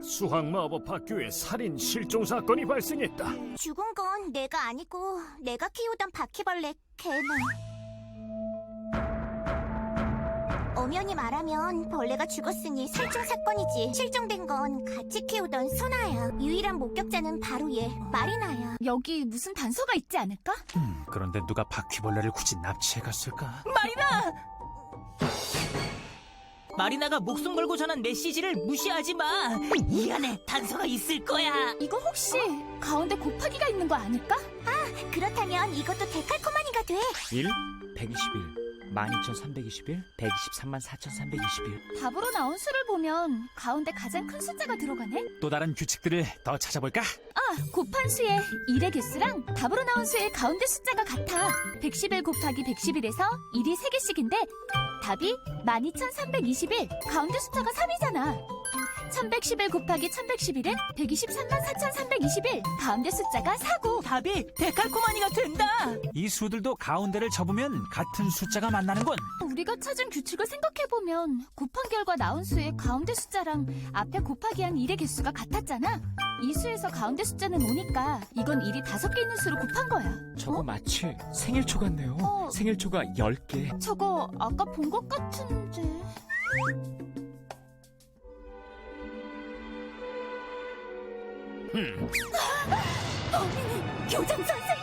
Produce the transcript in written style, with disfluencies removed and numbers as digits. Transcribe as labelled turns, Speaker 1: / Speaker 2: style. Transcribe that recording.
Speaker 1: 수학 마법 학교에 살인 실종 사건이 발생했다.
Speaker 2: 죽은 건 내가 아니고 내가 키우던 바퀴벌레 개나. 엄연히 말하면 벌레가 죽었으니 살충 사건이지. 실종된 건 같이 키우던 소나야. 유일한 목격자는 바로 얘, 마리나야.
Speaker 3: 여기 무슨 단서가 있지 않을까?
Speaker 4: 그런데 누가 바퀴벌레를 굳이 납치해 갔을까?
Speaker 5: 마리나! 마리나가 목숨 걸고 전한 메시지를 무시하지 마. 이 안에 단서가 있을 거야.
Speaker 3: 이거 혹시 가운데 곱하기가 있는 거 아닐까?
Speaker 2: 그렇다면 이것도 데칼코마니가 돼.
Speaker 4: 1, 121, 12,321, 123만 4,321.
Speaker 3: 답으로 나온 수를 보면 가운데 가장 큰 숫자가 들어가네?
Speaker 4: 또 다른 규칙들을 더 찾아볼까?
Speaker 3: 곱한 수의 1의 개수랑 답으로 나온 수의 가운데 숫자가 같아. 111 곱하기 111에서 1이 3개씩인데 답이 12,321, 가운데 숫자가 3이잖아. 1111 곱하기 1111은 123만 4,321, 가운데 숫자가 4고.
Speaker 5: 답이 데칼코마니가 된다.
Speaker 4: 이 수들도 가운데를 접으면 같은 숫자가 만나는군.
Speaker 3: 우리가 찾은 규칙을 생각해보면 곱한 결과 나온 수의 가운데 숫자랑 앞에 곱하기한 1의 개수가 같았잖아. 이 수에서 가운데 숫자는 5니까 이건 1이 5개 있는 수로 곱한 거야.
Speaker 4: 저거 마치 생일초 같네요. 생일초가 10개.
Speaker 3: 저거 아까 본 것 같은데... 범인은 교장 선생님!